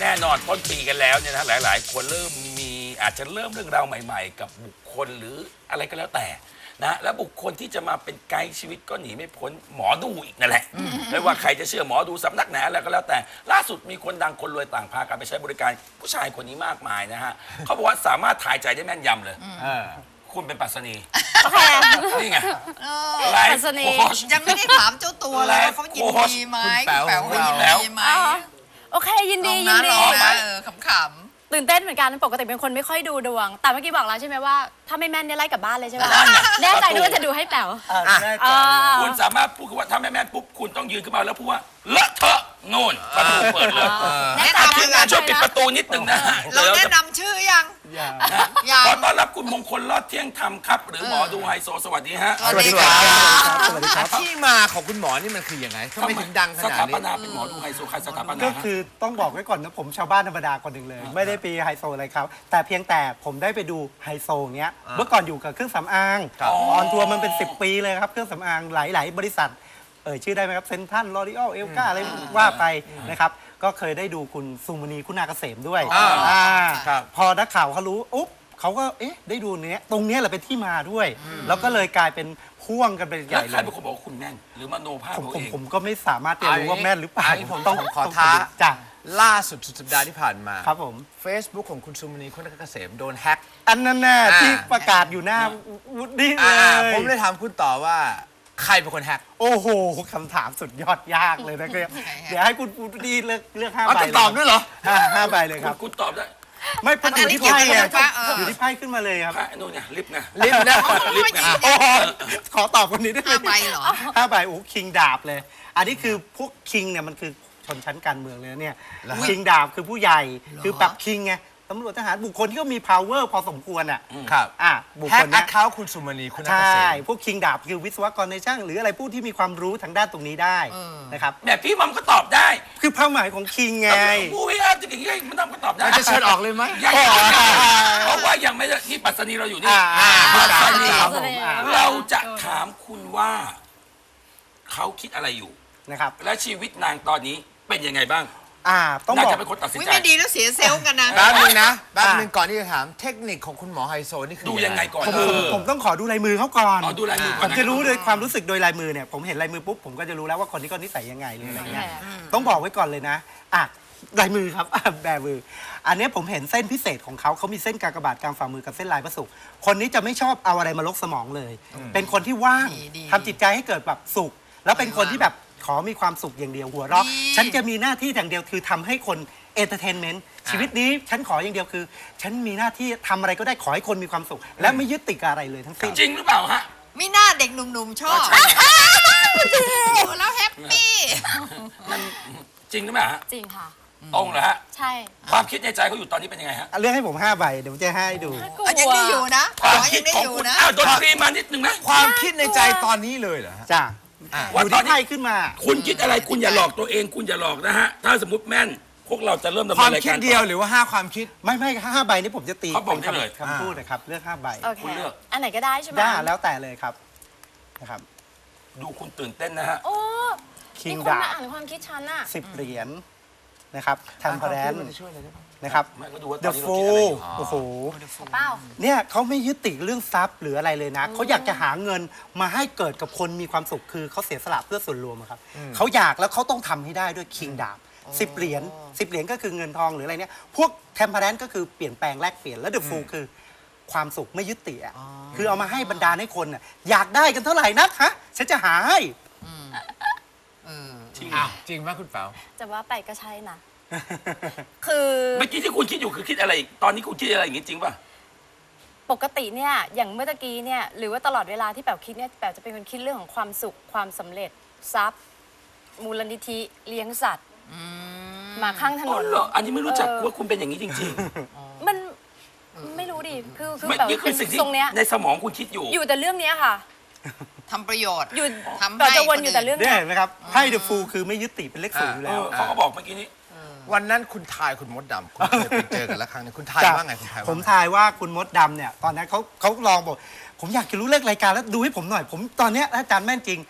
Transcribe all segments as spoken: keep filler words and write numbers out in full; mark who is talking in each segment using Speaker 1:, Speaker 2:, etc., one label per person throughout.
Speaker 1: แน่นอนต้นปีกันแล้วเนี่ยนะหลายๆ คนเริ่มมีอาจจะเริ่มเรื่องราวใหม่ๆ กับบุคคลหรืออะไรก็แล้วแต่นะและบุคคลที่จะมาเป็นไกด์ชีวิตก็หนีไม่พ้นหมอดูอีกนั่นแหละไม่ว่าใครจะเชื่อหมอดูสำนักไหนอะไรก็แล้วแต่ล่าสุดมีคนดังคนรวยต่างพากันไปใช้บริการผู้ชายคนนี้มากมายนะฮะเขาบอกว่าสามารถถ่ายใจได้แม่นยำเลยคุณเป็นปัสนีนี่ไงไลฟ์โค้ช
Speaker 2: ยังไม่ได้ถามเจ้าตัวเลยว่าเขายินดีไหมแป๋วเขายินดีไหม
Speaker 3: โอเคยินดี
Speaker 2: ล
Speaker 3: ยิ
Speaker 2: ง
Speaker 3: น
Speaker 2: นะ
Speaker 3: ดี
Speaker 2: ลงนะเออขำ
Speaker 3: ตื่นเต้นเหมือนกันปกติเป็นคนไม่ค่อยดูดวง แต่เมื่อกี้บอกแล้วใช่ไหมว่าถ้าไม่แม่นเนี่ยไล่กลับบ้านเลยใช่ไหมแน่ใจด้วยจะดูให้แป๋ว
Speaker 1: คุณสามารถพูดว่าถ้าแม่แม่ปุ๊บคุณต้องยืนขึ้นมาแล้วพูดว่าเลอะเทอะนู่นประตูเปิดเลย
Speaker 2: ๆแนะ
Speaker 1: ทีม
Speaker 2: นำ
Speaker 1: งานช่วยปิดประตูนิดนึงนะฮะ
Speaker 2: เราแนะนำชื่อยังยัง
Speaker 1: ขอต้อนรับคุณมงคลรอดเที่ยงธรรมครับ หรือหมอดูไฮโซสวัสดีฮะ
Speaker 2: สวัสดีครับ
Speaker 4: สวัสดีครับที่มาของคุณหมอนี่มันคือยังไงทำไมถึงดังข
Speaker 1: ส
Speaker 4: นาด
Speaker 1: ถาป
Speaker 4: นี้
Speaker 1: นาเป็นหมอดูไฮโซใครสถาปนา
Speaker 5: ก็
Speaker 1: ฮะ
Speaker 5: คือต้องบอกไว้ก่อนนะผมชาวบ้านธรรมดาคนหนึ่งเลย ไม่ได้ปีไฮโซอะไรครับ แต่เพียงแต่ผมได้ไปดูไฮโซเนี้ยเมื่อก่อนอยู่กับเครื่องสำอางออนทัวร์มันเป็นสิบปีเลยครับเครื่องสำอางหลาย ๆ บริษัทเอ่ยชื่อได้ไหมครับเซนทันลอรีออลเอลกาอะไรว่าไปนะครับก็เคยได้ดูคุณสุมณีคุณาเกษมด้วยอ่าพอนักข่าวเขารู้อุ๊บเขาก็เอ๊ะได้ดูเนี้ยตรงเนี้ยแหละเป็นที่มาด้วย แล้วก็เลยกลายเป็นพ่วงกันเป็นให
Speaker 1: แล้ว
Speaker 5: ญ่
Speaker 1: ใค
Speaker 5: เล
Speaker 1: ร
Speaker 5: ย
Speaker 1: เป็นคนบอกว่าคุณแม่นหรือมโนภาพ
Speaker 5: ผม
Speaker 1: เรา
Speaker 5: ผม
Speaker 1: เอง
Speaker 5: ผมก็ไม่สามารถจะรู้ว่าแม่นหรือเปล่า
Speaker 4: อันนี้ผมต้องขอท้า
Speaker 5: จ้ะ
Speaker 4: ล่าสุดสุดสัปดาห์ที่ผ่านมา
Speaker 5: ครับผม
Speaker 4: Facebook ของคุณสุมณีคุณเกษมโดนแฮก
Speaker 5: อันนั้นน่ะ
Speaker 4: อ่า
Speaker 5: ที่ประกาศอยู่หน้าวุฒิเล
Speaker 4: อ่าย ผมเลยถามคุณต่อว่าใครเป็นคนแฮก
Speaker 5: โอ้โหคำถามสุดยอดยากเลยนะครับเดี๋ยวให้คุณวุฒิเลือกเลือกห้า
Speaker 4: อ๋อ
Speaker 5: ใบ
Speaker 4: จะตอบด้วยเหรอ
Speaker 5: ห้าห้าใบเลยครับ
Speaker 1: คุณตอบได้
Speaker 5: ไม่เพราะอยู่ที่ไพ่ไงอยู่ที่ไพ่ขึ้นมาเลยครับ
Speaker 1: พระนู่นไงลิฟต์ไง
Speaker 4: ลิฟต์นะ
Speaker 1: ลิฟต์ไง
Speaker 5: โอ้โหขอตอบคนนี้ได้ไหม
Speaker 2: ห้าใบเหรอ
Speaker 5: ห้าใบโอ้คิงดาบเลย อันนี้คือพวกคิงเนี่ยมันคือชนชั้นการเมืองเลยนะเนี่ยคิงดาบคือผู้ใหญ่คือแบบคิงไงตำรวจทหารบุคคลที่ก็มี power พอสมควรอ่ะ
Speaker 4: ครับ
Speaker 5: อ่ะบุค
Speaker 4: แฮ
Speaker 5: ค
Speaker 4: ก
Speaker 5: ล
Speaker 4: แอ
Speaker 5: เนี้
Speaker 4: ค
Speaker 5: ย
Speaker 4: เคาท์คุณสุมณีคุณเก
Speaker 5: ใช่
Speaker 4: ษม
Speaker 5: พวกคิงดาบคือวิศวกรในช่างหรืออะไรผู้ที่มีความรู้ทางด้านตรงนี้ได้นะครับ
Speaker 1: แบบพี่มัมก็ตอบได้
Speaker 5: คือเป้าหมายของคิงไง
Speaker 1: ผู้วิอาจะอย่างนี้มันทำก็ตอบได้
Speaker 4: เราจะเชิญออกเลยไหม
Speaker 1: ยังเพราะว่ายังไม่ได้ที่ปัสนีเราอยู่นี่
Speaker 5: อ่า
Speaker 1: ปัสนี
Speaker 5: ครับผมอ่า
Speaker 1: เราจะถามคุณว่าเขาคิดอะไรอยู่
Speaker 5: นะครับ
Speaker 1: และชีวิตนางตอนนี้เป็นยังไงบ้าง
Speaker 5: อ่าต้อง
Speaker 1: น่า
Speaker 5: บอก
Speaker 1: จะเป็นคนตัดสิน
Speaker 2: อุ้ย
Speaker 1: ใจ
Speaker 2: ไม่ดีแล้วเสียเซลล์กันนะ
Speaker 4: แป๊บนึงนะแป๊บนึงก่อนที่จะถามเทคนิคของคุณหมอไฮโซนี่คือ
Speaker 1: ดูยังไงก่อน
Speaker 5: ผม
Speaker 1: เอ
Speaker 5: ผม
Speaker 1: อ
Speaker 5: ผมต้องขอดูลายมือเขาก่อน
Speaker 1: อ๋อดูลายมือก่
Speaker 5: ผ
Speaker 1: อน
Speaker 5: ม
Speaker 1: น
Speaker 5: จะรู้โดยความรู้สึกโดยลายมือเนี่ยผมเห็นลายมือปุ๊บผมก็จะรู้แล้วว่าคนนี้ก็นิสัยยังไงหรืออะไรเงี้ยต้องบอกไว้ก่อนเลยนะอ่ะลายมือครับ อ่ะแบมือ อันนี้ผมเห็นเส้นพิเศษของเขาเขามีเส้นกากบาทกลางฝ่ามือกับเส้นลายพระศุกร์คนนี้จะไม่ชอบเอาอะไรมาลกสมองเลย เป็นคนที่ว่าง
Speaker 2: ดีดี
Speaker 5: ทำจิตใจให้เกิดแบบสุข แล้วเป็นคนที่แบบขอมีความสุขอย่างเดียวหัวเราะ
Speaker 2: ดี
Speaker 5: ฉันจะมีหน้าที่อย่างเดียวคือทำให้คนเอนเตอร์เทนเมนต์ชีวิตนี้ฉันขออย่างเดียวคือ ฉันมีหน้าที่ทำอะไรก็ได้ขอให้คนมีความสุข และไม่ยึดติดกับอะไรเลยทั้งสิ้น
Speaker 1: จริงหรือเปล่าฮะ
Speaker 2: มีหน้าเด็กหนุ่มๆชอบดูแล้วแฮปปี้
Speaker 1: มันจริงหรือเปล่าฮะ
Speaker 3: จริงค่ะ
Speaker 1: ตรงเหรอฮะ
Speaker 3: ใช่
Speaker 1: ความคิดในใจเขาอยู่ตอนนี้เป็นยังไงฮะ
Speaker 5: เลือกให้ผมห้าใบเดี๋ยวผมจะให้ดู
Speaker 3: กลัว
Speaker 2: อ่ะยังได้อยู่นะ
Speaker 1: ความ
Speaker 2: อ๋อ
Speaker 1: คิ
Speaker 2: ยั
Speaker 1: ด
Speaker 2: งได้
Speaker 1: ของ
Speaker 2: อยู่
Speaker 1: คุณ
Speaker 2: นะ
Speaker 1: อ้าวดนตรีมานิดนึงนะ
Speaker 4: ความคิดในใจตอนนี้เลยเหรอฮะ
Speaker 5: จ้า
Speaker 4: อ่ะ
Speaker 5: อยู่ที่ไพ่ขึ้นมา
Speaker 1: คุณคิดอะไรคุณอย่าหลอกตัวเอง คุณอย่าหลอกนะฮะ ถ้าสมมติแม่น พวกเราจะเริ่มดำ
Speaker 4: ควา
Speaker 1: เนิ
Speaker 4: ม
Speaker 1: นราย
Speaker 4: คิด
Speaker 1: การ
Speaker 4: เดียวหรือว่าห้าความคิด
Speaker 5: ไม่ไม่ห้าใบนี้ผมจะตี
Speaker 1: เขาบอกได้เลย
Speaker 5: คำพูดนะครับเลือกห้าใบ
Speaker 3: โอเค
Speaker 1: คุณเลือก
Speaker 3: อันไหนก็ได้ใช่ไหม
Speaker 5: ได้แล้วแต่เลยครับนะครับ
Speaker 1: ดูคุณตื่นเต้นนะฮะ
Speaker 3: โอ้
Speaker 5: คิง
Speaker 3: มีคน
Speaker 5: ดา
Speaker 3: มา
Speaker 5: บ
Speaker 3: อ่านความคิดฉันอะ
Speaker 5: สิบเหรียญนะครับทันพแรน
Speaker 4: ช่วยอะไรได้บ้าง
Speaker 5: นะครับ
Speaker 1: ไม่ก็ดูว่าต
Speaker 5: The
Speaker 1: อนนี้เราคิดอะไร
Speaker 5: Fool
Speaker 1: อยู่
Speaker 5: โอ้โห
Speaker 3: เป้า
Speaker 5: เนี่ยเขาไม่ยึดติดเรื่องทรัพย์หรืออะไรเลยนะ เขาอยากจะหาเงินมาให้เกิดกับคนมีความสุขคือเขาเสียสละเพื่อส่วนรวมอะครับเขาอยากแล้วเขาต้องทำให้ได้ด้วยคิงดาบสิบเหรียญสิบเหรียญก็คือเงินทองหรืออะไรเนี่ยพวกแทมเพลนก็คือเปลี่ยนแปลงแลกเปลี่ยนแล้วเดอะฟูคือความสุขไม่ยึดติดอ่ะคือเอามาให้บรรดาให้คนอ่ะอยากได้กันเท่าไหร่นักฮะฉันจะหาให้
Speaker 2: เออ
Speaker 1: จริง
Speaker 4: อ้าวจริงไหมคุณเป๋า
Speaker 3: จะว่าไปก็ใช่นะ คือ
Speaker 1: เมื่อกี้ที่คุณคิดอยู่คือคิดอะไรอีกตอนนี้คุณคิดอะไรอย่างงี้จริงป่ะ
Speaker 3: ปกติเนี่ย อย่างเมื่อตะกี้เนี่ย หรือว่าตลอดเวลาที่แป๋วคิดเนี่ย แป๋วจะเป็นคนคิดเรื่องของความสุข ความสำเร็จ ทรัพย์ มูลนิธิ เลี้ยงสัตว์หมาข้างถน
Speaker 1: อ๋อน เหรอ อันนี้ไม่รู้จักว่าคุณเป็นอย่างนี้จริง
Speaker 3: มันไม่รู้ดิ คือ
Speaker 1: ๆ
Speaker 3: คือ
Speaker 1: ไม่
Speaker 3: แป๋ว
Speaker 1: นี่คื
Speaker 3: เป็
Speaker 1: อน สิ่งที่
Speaker 3: ทรงเนี้ย
Speaker 1: ในสมองคุณคิดอยู่
Speaker 3: อยู่แต่เรื่องเนี้ยค่ะ
Speaker 2: ทำประโยชน์
Speaker 3: อยู่
Speaker 2: ทำให้
Speaker 3: แป๋วจะวนอยู่แต่เรื่อง
Speaker 5: เนี่ย
Speaker 3: เนี้ย
Speaker 5: เห็นไหมครับไพ่เดอะฟูคือไม่ยึดติดเป็นเลขศูนย์อยู่
Speaker 1: เอ
Speaker 5: แล้ว
Speaker 1: อเขาก็บอกเมื่อกี้นี้
Speaker 4: วันนั้นคุณทายคุณมดดำคุณเคยไปเจอกันแล้วครั้งหนึงคุณทาย
Speaker 5: จ้ะ
Speaker 4: ว่าไงคุณทายว่า
Speaker 5: ผม
Speaker 4: ไง
Speaker 5: ทายว่าคุณมดดำเนี่ยตอนนั้นเขาเขาลองบอก ผมอยากจะรู้เลขรายการแล้วดูให้ผมหน่อย ผมตอนเนี้ยถ้าอาจารย์แม่นจริง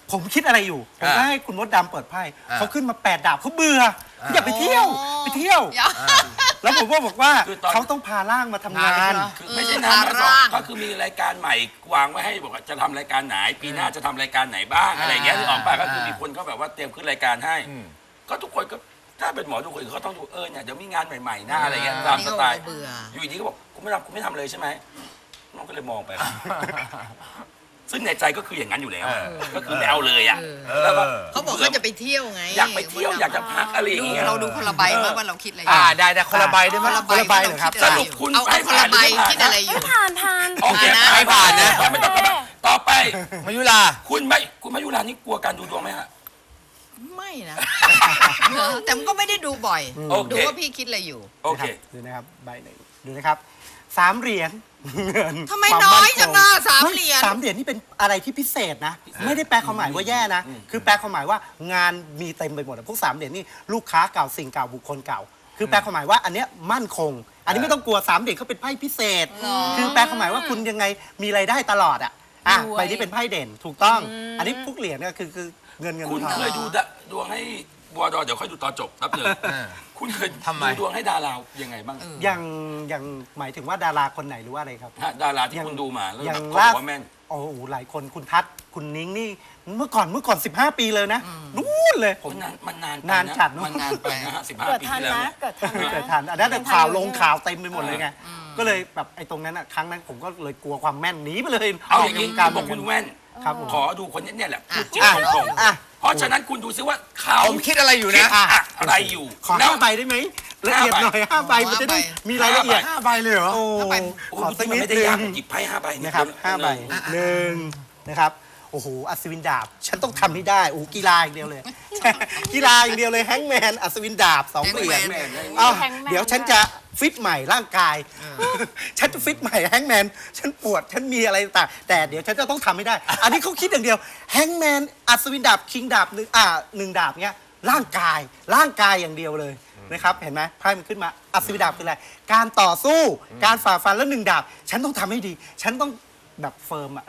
Speaker 5: ผมคิดอะไรอยู่ ผมก็
Speaker 4: อ่า
Speaker 5: ให้คุณมดดำเปิดไพ่
Speaker 4: อ่า
Speaker 5: เขาขึ้นมาแปดดาบเขาเบื่อเขาอยากไปเที่ยว
Speaker 2: อ๋อ
Speaker 5: ไปเที่ยว
Speaker 2: เดี๋ยว
Speaker 5: แล้วผมก็บอกว่า
Speaker 1: คือตอน
Speaker 5: เขาต้องพาร่างมาทำงาน
Speaker 1: คือไม่ใช่
Speaker 2: เออ
Speaker 1: น้ำ
Speaker 2: พา
Speaker 1: มาสอ
Speaker 2: ร่าง ง
Speaker 1: ก็คือมีรายการใหม่วางไว้ให้บอกว่าจะทำรายการไหนปีหน้าจะทำรายการไหนบ้างอะไรอย่างเงี้ยนึกออกป่ะก็คือมีคนเขาแบบว่าเตรียมขึ้นรายการให้ ก็ทุกคนก็ถ้าเป็นหมอดูคนอื่นเขาต้องดูเออเนี่ยเดี๋ยวมีงานใหม่ๆหน้าอะไรเงี้ยตามสไตล์
Speaker 2: นี่ก็เบื่อ
Speaker 1: อยู่ดีก็บอกคุณไม่ทำคุณไม่ทำเลยใช่ไหมน้องก็เลยมองไป ซึ่งในใจก็คืออย่างนั้นอยู่แล้ว ก็คือไม่เอาเลยอ่ะแล้วก็
Speaker 2: เขาบอกเขาจะไปเที่ยวไง
Speaker 1: อยากไปเที่ยวอยากจะพักอะไรอย่างเงี้ย
Speaker 2: เราดูคนละใบมั้ยว่าเราคิดอะไรอยู่
Speaker 4: อ่าได้ได้คนละใบได้ไหม
Speaker 2: คนละใบ
Speaker 5: คนละใบเหรอครับ
Speaker 2: า
Speaker 1: สรุปคุณ
Speaker 2: เอาเอาคนละใบ
Speaker 1: ไม่ผ่าน
Speaker 2: คิดอะไรอยู่
Speaker 3: ผ่านผ่าน
Speaker 1: โอเค
Speaker 2: ไม่ผ่านนะ
Speaker 1: ไม่ต้องกลับมาต่อไป
Speaker 4: มายุรา
Speaker 1: คุณไม่คุณมายุรานี่กลัวการดูดวงไหมฮะ
Speaker 2: ไม่นะแต่มันก็ไม่ได้ดูบ่อย
Speaker 1: โอเค
Speaker 2: ดูว่าพี่คิดอะไรอยู่
Speaker 1: โอเค
Speaker 5: ดูนะครับใบหนึ่งดูนะครับสามเหรียญเงิน
Speaker 2: ทำไม
Speaker 5: ควา
Speaker 2: น้อย
Speaker 5: ค
Speaker 2: จังอ่ะสามเหรียญ
Speaker 5: สามเหรียญนี่เป็นอะไรที่พิเศษนะ ไม่ได้แปลความหมายว่าแย่นะ คือแปลความหมายว่างานมีเต็มไปหมดอะพวกสามเหรียญนี่ลูกค้าเก่าสิ่งเก่าบุคคลเก่า คือแปลความหมายว่าอันเนี้ยมั่นคง อันนี้ไม่ต้องกลัวสามเหรียญเขาเป็นไพ่พิเศษ คือแปลความหมายว่าคุณยังไงมีรายได้ตลอดอ่ะอ่ะ
Speaker 3: รวย
Speaker 5: ใบนี้เป็นไพ่เด่นถูกต้อง อันนี้พวกเหรียญเนี่ยคือคือเงินเงิน
Speaker 1: คุณ
Speaker 5: ทอง
Speaker 1: เคยดูดะดวงให้บัวดอเดี๋ยวค่อยดูตอนจบแป๊บหนึงคุณเคย
Speaker 4: ทำไม
Speaker 1: ดูดวงให้ดารายังไงบ้าง
Speaker 5: ยังยังหมายถึงว่าดาราคนไหนหรือว่าอะไรครับ
Speaker 1: ฮะดาราที่คุณดูมาแล้ว
Speaker 5: อย่าง
Speaker 1: เขา
Speaker 5: ล่า
Speaker 1: บอกว่าแม่น
Speaker 5: โอ้โหหลายคนคุณทัศน์คุณนิ้งนี่เมื่อก่อนเมื่อก่อนสิบห้าปีเลยนะนู่นเลยผม
Speaker 1: มันนานมันนานไป
Speaker 5: นานจัดเนอะ
Speaker 1: มันนานไปนะฮะสิบห้า
Speaker 3: เกิด
Speaker 1: ปี
Speaker 3: ทัน
Speaker 1: ที่แล้ว
Speaker 3: นะ
Speaker 1: เนี่ย
Speaker 3: เกิดทัน
Speaker 5: ไม่
Speaker 3: นะ
Speaker 5: เคยทันอันนั้นแต่
Speaker 3: เป็นทัน
Speaker 5: ข่าว
Speaker 3: อยู่
Speaker 5: ลง
Speaker 3: เนี่ย
Speaker 5: ข่าวเต็มไปหมดเลยไงก็เลยแบบไอ้ตรงนั้นอ่ะครั้งนั้นผมก็เลยกลัวความแม่นหนีไปเลย
Speaker 1: เอาอย่างนี้
Speaker 5: กา
Speaker 1: คุณบอกคุณแว่น
Speaker 5: ครับผม
Speaker 1: ขอดูคนนี้เนี่ยแหละพูดจริง
Speaker 5: อ่ะ
Speaker 1: ตรง
Speaker 5: อ่ะ
Speaker 1: ๆเพราะฉะนั้นคุณดูซิว่าเขา
Speaker 4: ผมคิดอะไรอยู่
Speaker 1: คิด
Speaker 4: นะ
Speaker 1: อะไรอยู่
Speaker 5: ขอ
Speaker 1: แล้ว
Speaker 5: ห้าใบได้ไหมละเอียดหน่อยห้าใบมันจะได้มีรายละเอียด
Speaker 4: ห้าใบเลยเหรอ
Speaker 5: โอ้
Speaker 2: ห้าใบ
Speaker 1: โอ้
Speaker 5: ขอ
Speaker 1: โห
Speaker 5: สัก
Speaker 1: มั
Speaker 5: นิ
Speaker 1: น
Speaker 5: ด
Speaker 1: ไม่ได้
Speaker 5: นึ
Speaker 1: ยาก
Speaker 5: ง
Speaker 1: หยิบไพ่ห้าใบเย
Speaker 5: นะครับห้าใบ
Speaker 1: หนึ่ง
Speaker 5: หนึ่งนะครับโอ้โหอัศวินดาบ ฉันต้องทำให้ได้โอ้โหกีฬาอย่างเดียวเลย กีฬาอย่างเดียวเลยแฮงก์แมนอัศวินดาบสองเหรียญ
Speaker 2: แฮงก์แมน
Speaker 5: อ้าว
Speaker 3: แฮงก์แมน
Speaker 5: เดี๋ยวฉันจะฟิตใหม่ร่างกาย ฉันจะฟิตใหม่แฮงก์แมนฉันปวดฉันมีอะไรต่างแต่เดี๋ยวฉันจะต้องทำให้ได้ อันนี้เขาคิดอย่างเดียวแฮงก์แมนอัศวินดาบคิงดาบหนึ่งอ่าหนึ่งดาบเนี้ยร่างกายร่างกายอย่างเดียวเลยนะครับเห็นไหมไพ่มันขึ้นมาอัศวินดาบคืออะไรการต่อสู้การฝ่าฟันแล้วหนึ่งดาบ ฉันต้องทำให้ดี ฉันต้องแบบเฟิร์มอะ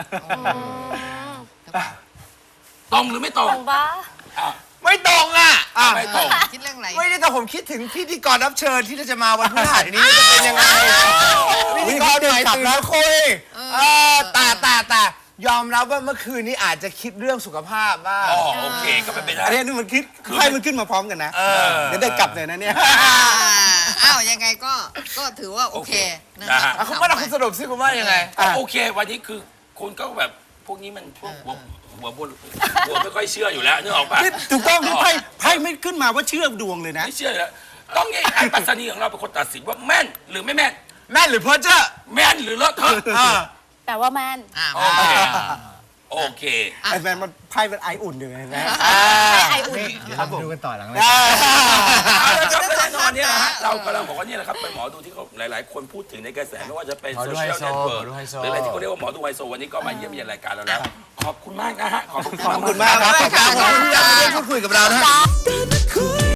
Speaker 1: ตรงหรือไม่ตรง
Speaker 3: ตรงปะ
Speaker 1: อ่ะ
Speaker 4: ไม่ตรงอ่ะ
Speaker 1: ไม่ตรง
Speaker 2: คิดเรื่องอะไร
Speaker 4: ไม่ได้แต่ผมคิดถึงพิธีกรรับเชิญที่จะมาวันพฤหัสนี้จะเป็นยังไงพิธีกรใหม่ตื่นมาคุยเออแต่แต่แต่ยอมรับว่าเมื่อคืนนี้อาจจะคิดเรื่องสุขภาพบ้าง
Speaker 1: อ๋อโอเคก็เป็นไปได้
Speaker 5: อันนี้มันคิดไพ่มันขึ้นมาพร้อมกันนะ
Speaker 4: เออ
Speaker 5: เดี๋ยวได้กลับเลยนะเนี่ย
Speaker 2: อ่าอ้าวยังไงก็ก็ถือว่าโอเคนะ
Speaker 1: นะ
Speaker 2: ค
Speaker 1: ฮะ
Speaker 2: รับ
Speaker 4: อ่ะคุณว่าคุณสรุปสิคุณว่ายังไง
Speaker 5: อ่ะ
Speaker 1: โอเค วันนี้คือคุณก็แบบพวกนี้มันพวกหัวหัวบนหัวไม่ค่อยเชื่ออยู่แล้วนึกออกปะ
Speaker 5: นี่ถูกต้องที่ไพ่ไพ่ไม่ขึ้นมาว่าเชื่อมดวงเลยนะ
Speaker 1: ไม่เชื่ออยู่แล้วต้องไงไอ้ปัสนีของเราเป็นคนตัดสินว่าแม่นหรือไม่แม่น
Speaker 4: แม่นหรือเพ้อเจ้อ
Speaker 1: แม่นหรือเลอะเทอะ
Speaker 4: อ่า
Speaker 3: แต่ว่าแมน
Speaker 2: อ่า
Speaker 1: โอเคโอเค
Speaker 5: ไอ้แมนมันไพ่เป็นไออุ่นอยู่ไงนะ
Speaker 3: ให้ไออุ่น
Speaker 5: ครับผม
Speaker 4: ดูกันต่อหลังเลย
Speaker 1: เอาละครับแน่นอนเนี่ยนะฮะเรากำลังบอกว่านี่แหละครับเป็นหมอดูที่เขาหลาย ๆ คนพูดถึงในกระแสไม่ว่าจะเป็น
Speaker 4: หมอ
Speaker 1: โซ
Speaker 4: ดู
Speaker 1: เชียล
Speaker 4: ไฮโซ
Speaker 1: เน็ตเวิร์ก
Speaker 4: หมอดูไฮโซ
Speaker 1: หรืออะไรที่เขาเรียกว่าหมอดูไฮโซวันนี้ก็มาเยี่ยมเยียนรายการเราแล้ว ขอบคุณมากนะฮะขอบคุณ
Speaker 5: ขอบคุณมากครับ
Speaker 4: ขอบคุณที่ยังมาร่วมพูดคุยกับเรานะฮะ